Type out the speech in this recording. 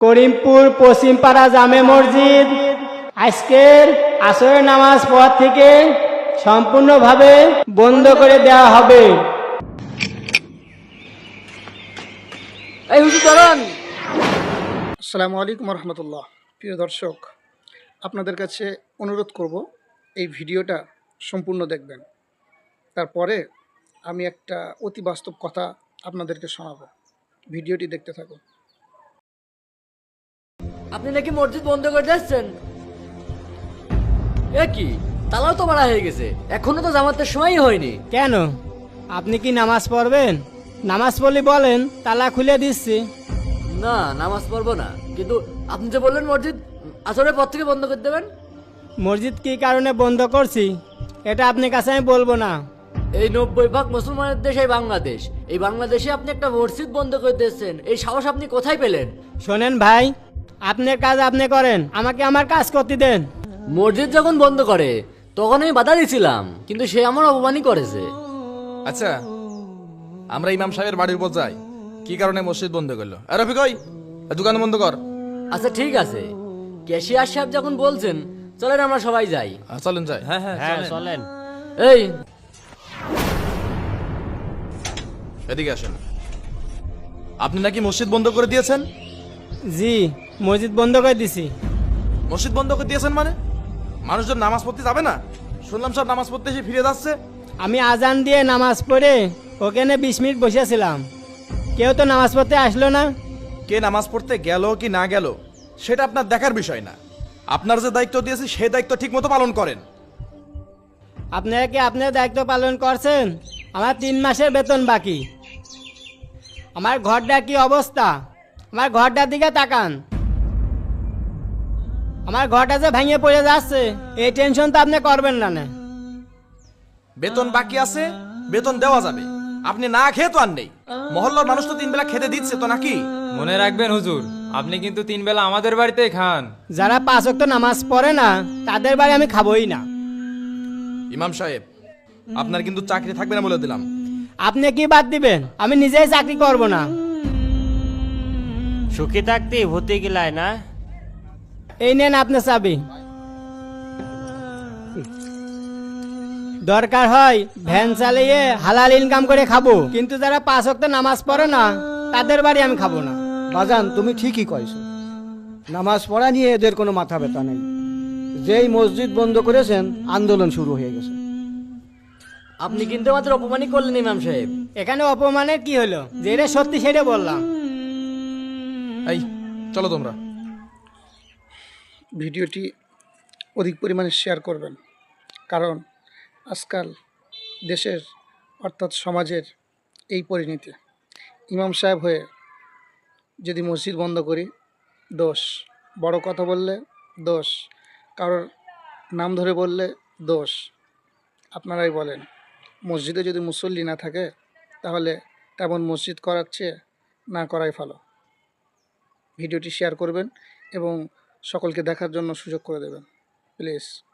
করিমপুর পশ্চিমপাড়া জামে মসজিদ আজকের আসরের নামাজ পর থেকে সম্পূর্ণভাবে বন্ধ করে দেওয়া হবে। এই হুজুর দাঁড়ান। আসসালামু আলাইকুম রহমতুল্লাহ। প্রিয় দর্শক, আপনাদের কাছে অনুরোধ করব এই ভিডিওটা সম্পূর্ণ দেখবেন। তারপরে আমি একটা অতি বাস্তব কথা আপনাদেরকে শোনাবো। ভিডিওটি দেখতে থাকুন। আপনি নাকি মসজিদ বন্ধ করে যাচ্ছেন? এ কি, তালাও তো মারা হয়ে গেছে, এখনো তো জামাতের সময়ই হয়নি। কেন, আপনি কি নামাজ পড়বেন? নামাজ পড়লে বলেন, তালা খুলে দিচ্ছি। না, নামাজ পড়বো না, কিন্তু আপনি যে বললেন মসজিদ আসরের পর থেকে বন্ধ করে দেবেন। মসজিদ কি কারণে বন্ধ করছি এটা আপনার কাছে আমি বলবো না। এই 90% মুসলমানের দেশ এই বাংলাদেশ, এই বাংলাদেশে আপনি একটা মসজিদ বন্ধ করে দিচ্ছেন, এই সাহস আপনি কোথায় পেলেন? শোনেন ভাই, আপনার কাজ আপনি করেন, আমাকে আমার কাজ করতে দেন। মসজিদ যখন বন্ধ করে তখন আমি বাধা দিয়েছিলাম, কিন্তু সে আমার অপমানই করেছে। আচ্ছা, আমরা ইমাম সাহেবের বাড়ির উপর যাই, কি কারণে মসজিদ বন্ধ করলো? আর রফিক ওই দোকান বন্ধ কর। আচ্ছা ঠিক আছে, ক্যাশিয়ার সাহেব যখন বলছেন চলেন আমরা সবাই যাই। চলেন যাই। হ্যাঁ চলেন। এই এদিকে আসেন। আপনি নাকি মসজিদ বন্ধ করে দিয়েছেন? জি, মসজিদ বন্ধ করে দিছি। মসজিদ বন্ধ করে দিয়েছেন মানে? মানুষজন নামাজ পড়তে যাবে না? শুনলাম সব নামাজ পড়তে এসে ফিরে যাচ্ছে। আমি আজান দিয়ে নামাজ পড়ে ওখানে 20 মিনিট বসেছিলাম, কেউ তো নামাজ পড়তে আসলো না। কে নামাজ পড়তে গেল কি না গেল সেটা আপনার দেখার বিষয় না। আপনার যে দায়িত্ব দিয়েছি সেই দায়িত্ব ঠিক মতো পালন করেন। আপনারা কি আপনার দায়িত্ব পালন করছেন? আমার 3 মাসের বেতন বাকি। আমার ঘরটা কি অবস্থা, আমার ঘরটার দিকে তাকান। আমার ঘরটা যে ভেঙে পড়ে যাচ্ছে, এই টেনশন তো আপনি করবেন না। বেতন বাকি আছে, বেতন দেওয়া যাবে। আপনি না খেয়ে তো আর নেই। মহল্লার মানুষ তো 3 বেলা খেতে দিচ্ছে তো নাকি? মনে রাখবেন হুজুর, আপনি কিন্তু 3 বেলা আমাদের বাড়িতেই খান। যারা 5 ওয়াক্ত নামাজ পড়ে না তাদের বাড়ি আমি খাবোই না। ইমাম সাহেব, আপনার কিন্তু চাকরি থাকবে না বলে দিলাম। আপনি কি বাদ দিবেন? আমি নিজেই চাকরি করব না। সুখী থাকতে ভূতে গিলায় না। এই নেন আপনার চাবি। দরকার হয় ভ্যান চালিয়ে হালাল ইনকাম করে খাবো, কিন্তু যারা 5 ওয়াক্ত নামাজ পড়ে না তাদের বাড়ি আমি খাবো না। বাজান, তুমি ঠিকই কইছো। নামাজ পড়া নিয়ে এদের কোনো মাথা ব্যথা নেই। যেই মসজিদ বন্ধ করেছেন আন্দোলন শুরু হয়ে গেছে। আপনি কিন্তু আমাদের অপমানই করলেন ইমাম সাহেব। এখানে অপমানের কি হলো? যেটা সত্যি সেটা বললাম। এই চলো তোমরা। ভিডিওটি অধিক পরিমাণে শেয়ার করবেন, কারণ আজকাল দেশের অর্থাৎ সমাজের এই পরিণতি। ইমাম সাহেব হয়ে যদি মসজিদ বন্ধ করি দোষ, বড় কথা বললে দোষ, কারোর নাম ধরে বললে দোষ। আপনারাই বলেন, মসজিদে যদি মুসল্লি না থাকে তাহলে তেমন মসজিদ করার চেয়ে না করাই ভালো। ভিডিওটি শেয়ার করবেন এবং সকলকে দেখার জন্য সুযোগ করে দেবেন প্লিজ।